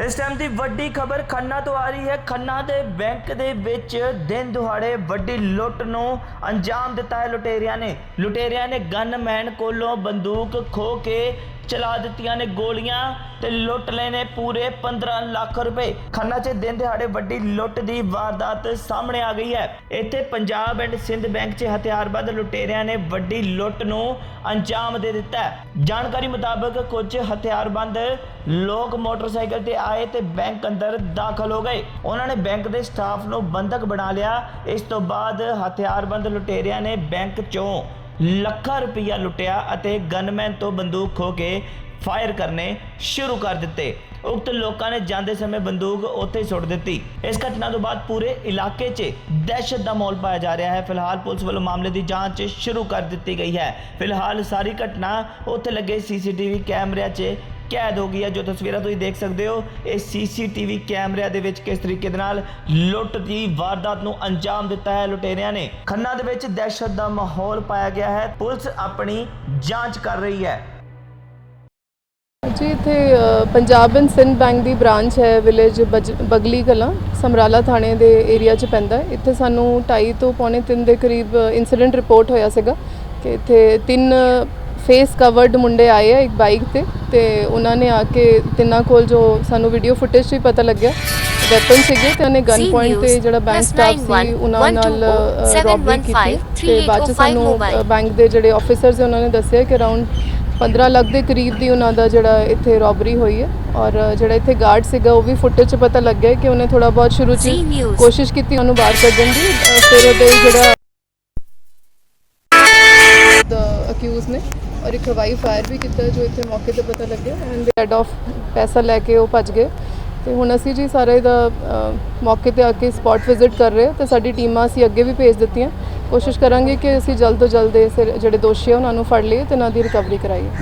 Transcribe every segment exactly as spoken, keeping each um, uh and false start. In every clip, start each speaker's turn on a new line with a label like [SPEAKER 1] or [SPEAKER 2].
[SPEAKER 1] इस टाइम की वड्डी खबर खन्ना तो आ रही है। खन्ना के बैंक के विच दिन दिहाड़े वड्डी लुट नूं अंजाम दिता है लुटेरिया ने। लुटेरिया ने गनमैन कोलों बंदूक खो के चला दित्तियां ने गोलियां ते लुट लए ने पूरे पंद्रह लाख रुपए। खन्ना च दिन दिहाड़े वड्डी लुट की वारदात सामने आ गई है। इत्थे पंजाब एंड सिंध बैंक च हथियारबंद लुटेरिया ने वड्डी लुट नूं अंजाम दे दिता है। जानकारी मुताबिक कुछ हथियारबंद लोग मोटरसाइकिल ते आए ते बैंक अंदर दाखिल हो गए। उन्होंने बैंक के स्टाफ नूं बंधक बना लिया। इस तो बाद हथियारबंद लुटेरिया ने बैंक चों ਲੱਖਾਂ रुपया लुटिया ਅਤੇ गनमैन तो बंदूक खो के फायर करने शुरू कर दिते। उक्त लोगों ने जाते समय बंदूक उत्थे ही सुट दी। इस घटना तो बाद पूरे इलाके च दहशत का माहौल पाया जा रहा है। फिलहाल पुलिस वालों मामले की जांच शुरू कर दी गई है। फिलहाल सारी घटना उत्थे लगे सीसीटीवी कैमरे च कैद हो गई है। जो तस्वीरें तुसीं देख सकते हो, ये सीसीटीवी कैमरिया दे विच किस तरीके दे नाल लुट की वारदात नूं अंजाम दिता है लुटेरिया ने। खन्ना दे विच दहशत का माहौल पाया गया है। पुलिस अपनी जांच कर रही है।
[SPEAKER 2] जी इत्थे पंजाब एंड सिंध बैंक की ब्रांच है विलेज बज बगली कलां समराला थाने के एरिया च पैंदा है। इत्थे सानू ढाई तो पौने तीन के करीब इंसीडेंट रिपोर्ट होया सीगा कि इत्थे तीन फेस कवर्ड मुंडे आए है एक बाइक ते ते उन्होंने आके तिन्ना कोल जो सानू वीडियो फुटेज भी पता लग्या वैपन सीगे ते उन्हें गन पॉइंट ते जिहड़ा बैंक स्टाफ सी उन्हां नाल रॉबरी कीती ते बाद च सानू बैंक दे जिहड़े ऑफिसर्स है उन्होंने दस्सिया कि अराउंड पंद्रह लाख के करीब की उन्होंने जिहड़ा इत्थे रॉबरी हुई है। और जिहड़ा इत्थे गार्ड सीगा वो भी फुटेज च पता लग गया कि उन्हें थोड़ा बहुत शुरू च कोशिश की उन्होंने बाहर कड्ढण दी। फिर ओहदे जिहड़ा अक्यूज ने और एक हवाई फायर भी किया जो इतने मौके पर पता लगे एंड हेड ऑफ पैसा लैके वो भज गए। तो हुण असी जी सारा इहदा मौके पर आके स्पॉट विजिट कर रहे तो साडी टीमां असी अगे भी भेज दित्तियां। कोशिश करांगे कि असी जल्द तो जल्द इस जिहड़े दोषी है उन्होंने फड़ लईए तो इन्हां दी रिकवरी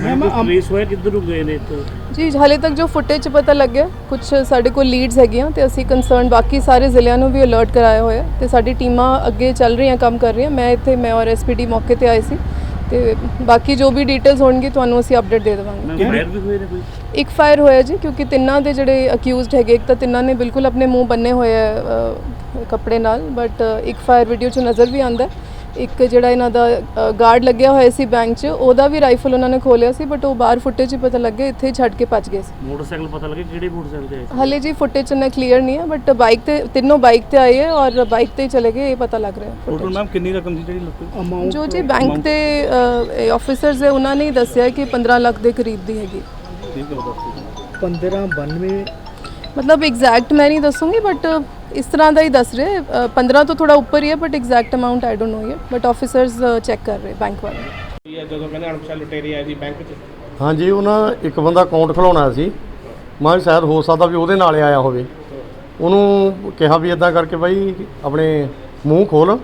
[SPEAKER 2] कराइए। जी हाले तक जो फुटेज पता लग गया कुछ साडे कोल लीड्स हैगियां तो असी कंसर्न बाकी सारे जिलिਆਂ ਨੂੰ भी अलर्ट कराया होया तो साडी टीमां अगे चल रही काम कर रही। मैं इत्थे मैं और एस पी डी मौके पर आए सी ਤੇ ਬਾਕੀ ਜੋ ਵੀ ਡਿਟੇਲਸ ਹੋਣਗੇ ਤੁਹਾਨੂੰ ਅਸੀਂ ਅਪਡੇਟ ਦੇ ਦੇਵਾਂਗੇ।
[SPEAKER 3] ਫਾਇਰ ਵੀ ਹੋਏ ਨੇ ਕੋਈ?
[SPEAKER 2] ਇੱਕ ਫਾਇਰ ਹੋਇਆ ਜੀ ਕਿਉਂਕਿ ਤਿੰਨਾਂ ਦੇ ਜਿਹੜੇ ਅਕਿਊਜ਼ਡ ਹੈਗੇ ਇੱਕ ਤਾਂ ਤਿੰਨਾਂ ਨੇ ਬਿਲਕੁਲ ਆਪਣੇ ਮੂੰਹ ਬੰਨੇ ਹੋਏ ਆ ਕੱਪੜੇ ਨਾਲ ਬਟ ਇੱਕ ਫਾਇਰ ਵੀਡੀਓ 'ਚ ਨਜ਼ਰ ਵੀ ਆਉਂਦਾ। ਇੱਕ ਜਿਹੜਾ ਇਹਨਾਂ ਦਾ ਗਾਰਡ ਲੱਗਿਆ ਹੋਇਆ ਸੀ ਬੈਂਕ 'ਚ ਉਹਦਾ ਵੀ ਰਾਈਫਲ ਉਹਨਾਂ ਨੇ ਖੋਲਿਆ ਸੀ ਬਟ ਉਹ ਬਾਹਰ ਫੁਟੇਜ 'ਚ ਪਤਾ ਲੱਗੇ ਇੱਥੇ ਹੀ ਛੱਡ ਕੇ ਭੱਜ ਗਏ ਸੀ।
[SPEAKER 3] ਮੋਟਰਸਾਈਕਲ ਪਤਾ ਲੱਗੇ ਕਿਹੜੇ ਮੋਟਰਸਾਈਕਲ ਤੇ ਆਏ ਸੀ?
[SPEAKER 2] ਹਾਲੇ ਜੀ ਫੁਟੇਜ 'ਚ ਨਾ ਕਲੀਅਰ ਨਹੀਂ ਹੈ ਬਟ ਬਾਈਕ ਤੇ ਤਿੰਨੋਂ ਬਾਈਕ ਤੇ ਆਏ ਹੈ ਔਰ ਬਾਈਕ ਤੇ ਹੀ ਚਲੇ ਗਏ ਇਹ ਪਤਾ ਲੱਗ ਰਿਹਾ।
[SPEAKER 3] ਟੋਟਲ ਮੈਮ ਕਿੰਨੀ ਰਕਮ ਸੀ ਜਿਹੜੀ ਲੱਗੀ? ਅਮਾਉਂਟ
[SPEAKER 2] ਜੋ ਜੀ ਬੈਂਕ ਦੇ ਆਫਿਸਰਸ ਹੈ ਉਹਨਾਂ ਨੇ ਦੱਸਿਆ ਕਿ पंद्रह ਲੱਖ ਦੇ ਕਰੀਬ ਦੀ ਹੈਗੀ।
[SPEAKER 3] ਠੀਕ ਹੈ पंद्रह बानवे
[SPEAKER 2] मतलब एग्जैक्ट मैं नहीं दसूँगी बट इस तरह का ही दस रहे। पंद्रह तो थोड़ा ऊपर ही है but exact amount I don't know ये बट ऑफिसर्स चेक कर रहे बैंक वाले।
[SPEAKER 3] ਜਦੋਂ ਕਹਿੰਦੇ ਅਣਪਛਾਤੇ ਲੁਟੇਰੇ ਆਏ ਸੀ ਬੈਂਕ 'ਚ?
[SPEAKER 4] ਹਾਂਜੀ ਉਹਨਾਂ ਇੱਕ ਬੰਦਾ ਅਕਾਊਂਟ ਖੁਲਾਉਣਾ ਸੀ। ਮੈਂ ਸ਼ਾਇਦ ਹੋ ਸਕਦਾ ਵੀ ਉਹਦੇ ਨਾਲ ਆਇਆ ਹੋਵੇ। ਉਹਨੂੰ ਕਿਹਾ ਵੀ ਇਦਾਂ ਕਰਕੇ ਬਾਈ ਆਪਣੇ ਮੂੰਹ ਖੋਲ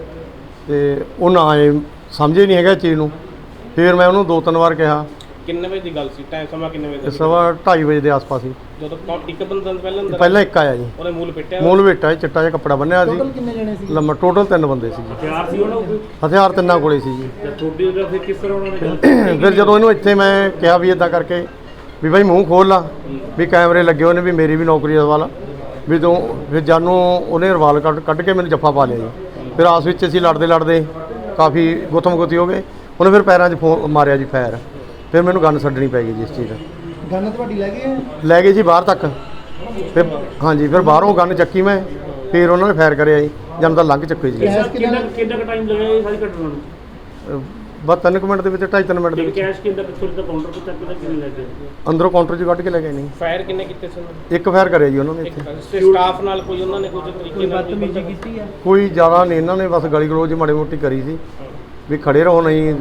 [SPEAKER 4] ਤੇ ਉਹ ਨਾ ਆਏ ਸਮਝੇ ਨਹੀਂ ਹੈਗਾ ਚੀਜ਼ ਨੂੰ। ਫਿਰ ਮੈਂ ਉਹਨੂੰ ਦੋ ਤਿੰਨ ਵਾਰ ਕਿਹਾ।
[SPEAKER 3] ਕਿੰਨੇ ਵਜੇ ਦੀ ਗੱਲ ਸੀ? ਟਾਈਮ ਸਮਾਂ ਕਿੰਨੇ ਵਜੇ ਦਾ?
[SPEAKER 4] ਸਵਾ ਢਾਈ ਵਜੇ ਦੇ ਆਸ-ਪਾਸ ਹੀ।
[SPEAKER 3] ਜਦੋਂ ਇੱਕ ਬੰਦਾ ਪਹਿਲਾਂ ਅੰਦਰ
[SPEAKER 4] ਪਹਿਲਾਂ ਇੱਕ ਆਇਆ ਜੀ।
[SPEAKER 3] ਉਹਨੇ ਮੂਲ ਪਿੱਟਿਆ?
[SPEAKER 4] ਮੂਲ ਵੇਟਾ ਚਿੱਟਾ ਜਿਹਾ ਕੱਪੜਾ ਬੰਨਿਆ ਸੀ।
[SPEAKER 3] ਟੋਟਲ ਕਿੰਨੇ ਜਣੇ ਸੀ?
[SPEAKER 4] ਲੰਮਾ ਟੋਟਲ ਤਿੰਨ ਬੰਦੇ ਸੀ ਜੀ।
[SPEAKER 3] ਹਥਿਆਰ ਸੀ ਉਹਨਾਂ ਕੋਲ?
[SPEAKER 4] ਹਥਿਆਰ ਤਿੰਨਾਂ ਕੋਲੇ ਸੀ ਜੀ।
[SPEAKER 3] ਤੇ ਤੁਹਾਡੀ ਉਹਦਾ ਫਿਰ ਕਿਸ ਤਰ੍ਹਾਂ ਉਹਨਾਂ ਨੇ ਗੱਲ?
[SPEAKER 4] ਫਿਰ ਜਦੋਂ ਇਹਨੂੰ ਇੱਥੇ ਮੈਂ ਕਿਹਾ ਵੀ ਇਦਾਂ ਕਰਕੇ ਵੀ ਬਾਈ ਮੂੰਹ ਖੋਲ ਲਾ ਵੀ ਕੈਮਰੇ ਲੱਗੇ ਹੋਏ ਨੇ ਵੀ ਮੇਰੀ ਵੀ ਨੌਕਰੀ ਦਾ ਸਵਾਲ ਆ ਵੀ ਤੂੰ ਫਿਰ ਜਾਨੂੰ ਉਹਨੇ ਰਵਾਲ ਕੱਢ ਕੱਢ ਕੇ ਮੈਨੂੰ ਜੱਫਾ ਪਾ ਲਿਆ ਜੀ। ਫਿਰ ਆਸ ਵਿੱਚ ਅਸੀਂ ਲੜਦੇ ਲੜਦੇ ਕਾਫੀ ਗੁੱਥਮ ਗੁੱਥੀ ਹੋ ਗਏ। ਉਹਨੇ ਫਿਰ ਪੈਰਾਂ 'ਚ ਫੋ ਮਾਰਿਆ ਜੀ ਫਾਇਰ। ਫਿਰ ਮੈਨੂੰ ਗਨ ਛੱਡਣੀ ਪੈ ਗਈ ਜੀ ਇਸ ਚੀਜ਼ ਦਾ।
[SPEAKER 5] ਗਨ ਤੁਹਾਡੀ ਲੈ ਗਏ?
[SPEAKER 4] ਲੈ ਗਏ ਜੀ ਬਾਹਰ ਤੱਕ। ਫਿਰ ਹਾਂਜੀ ਫਿਰ ਬਾਹਰੋਂ ਗਨ ਚੱਕੀ ਮੈਂ। ਫਿਰ ਉਹਨਾਂ ਨੇ ਫਾਇਰ ਕਰਿਆ ਜੀ ਜਦ ਤਾਂ ਲੰਘ ਚੱਕੇ ਜੀ।
[SPEAKER 3] ਕਿੰਨਾ ਕਿੰਨਾ ਕੁ ਟਾਈਮ ਲੱਗਿਆ ਇਹ ਸਾਰੀ ਘਟਨਾ ਨੂੰ?
[SPEAKER 4] ਬਸ ਤਿੰਨ ਕੁ ਮਿੰਟ ਦੇ ਵਿੱਚ ਢਾਈ ਤਿੰਨ ਮਿੰਟ ਦੇ ਵਿੱਚ।
[SPEAKER 3] ਕੈਸ਼ ਕਿੰਨਾ ਪਿੱਛੋਂ ਦਾ ਕਾਊਂਟਰ ਤੋਂ ਚੱਕ ਕੇ ਕਿੰਨੇ ਲੱਗੇ?
[SPEAKER 4] ਅੰਦਰੋਂ ਕਾਊਂਟਰ 'ਚ ਕੱਢ ਕੇ ਲੈ ਗਏ ਨਹੀਂ।
[SPEAKER 3] ਫਾਇਰ ਕਿੰਨੇ ਕੀਤੇ ਸੀ ਉਹਨਾਂ ਨੇ?
[SPEAKER 4] ਇੱਕ ਫਾਇਰ ਕਰਿਆ ਜੀ ਉਹਨਾਂ ਨੇ ਇੱਥੇ।
[SPEAKER 3] ਸਟਾਫ ਨਾਲ ਕੋਈ ਉਹਨਾਂ ਨੇ ਕੋਈ ਤਰੀਕੇ ਨਾਲ ਬਦਤਮੀਜ਼ੀ ਕੀਤੀ ਹੈ?
[SPEAKER 4] ਕੋਈ ਜ਼ਿਆਦਾ ਨਹੀਂ, ਇਹਨਾਂ ਨੇ ਬਸ ਗਲੀ ਗਲੋਚ ਮਾੜੀ ਮੋਟੀ ਕਰੀ ਸੀ ਵੀ ਖੜੇ ਰਹੋ ਨਹੀਂ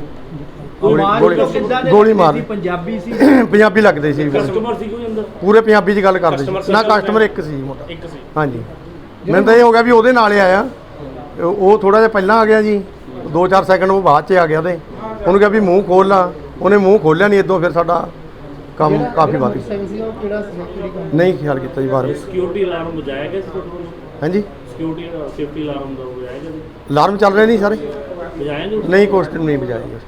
[SPEAKER 4] ਗੋਲੀ ਮਾਰ।
[SPEAKER 5] ਪੰਜਾਬੀ ਸੀ?
[SPEAKER 4] ਪੰਜਾਬੀ ਲੱਗਦੇ ਸੀ।
[SPEAKER 3] ਕਸਟਮਰ ਸੀ ਕੋਈ ਅੰਦਰ?
[SPEAKER 4] ਪੂਰੇ ਪੰਜਾਬੀ 'ਚ ਗੱਲ ਕਰਦੇ ਸੀ। ਨਾ ਕਸਟਮਰ ਇੱਕ ਸੀ ਮੋਟਾ।
[SPEAKER 3] ਇੱਕ ਸੀ?
[SPEAKER 4] ਹਾਂਜੀ ਮੈਨੂੰ ਤਾਂ ਇਹ ਹੋ ਗਿਆ ਵੀ ਉਹਦੇ ਨਾਲ ਹੀ ਆਇਆ। ਉਹ ਥੋੜਾ ਜਿਹਾ ਪਹਿਲਾਂ ਆ ਗਿਆ ਜੀ ਦੋ ਚਾਰ ਸੈਕਿੰਡ ਉਹ ਬਾਅਦ 'ਚ ਆ ਗਿਆ। ਉਹਦੇ ਉਹਨੂੰ ਕਿਹਾ ਵੀ ਮੂੰਹ ਖੋਲ ਲਾ। ਉਹਨੇ ਮੂੰਹ ਖੋਲਿਆ ਨਹੀਂ। ਇੱਦੋਂ ਫਿਰ ਸਾਡਾ ਕੰਮ ਕਾਫੀ ਵੱਧ ਗਿਆ। ਨਹੀਂ ਖਿਆਲ ਕੀਤਾ ਜੀ ਬਾਹਰ।
[SPEAKER 3] ਸਿਕਿਉਰਿਟੀ ਅਲਾਰਮ ਵਜਾਇਆ ਗਿਆ ਸੀ ਤੁਹਾਡੇ ਕੋਲ?
[SPEAKER 4] ਹਾਂਜੀ
[SPEAKER 3] ਸਿਕਿਉਰਿਟੀ ਸੇਫਟੀ ਅਲਾਰਮ ਦਾ ਵਜਾਇਆ ਗਿਆ ਸੀ?
[SPEAKER 4] ਅਲਾਰਮ ਚੱਲ ਰਹੇ ਨਹੀਂ ਸਾਰੇ?
[SPEAKER 3] ਵਜਾਇਆ ਨਹੀਂ?
[SPEAKER 4] ਨਹੀਂ ਕੁਛ ਨਹੀਂ ਵਜਾਇਆ ਜੀ।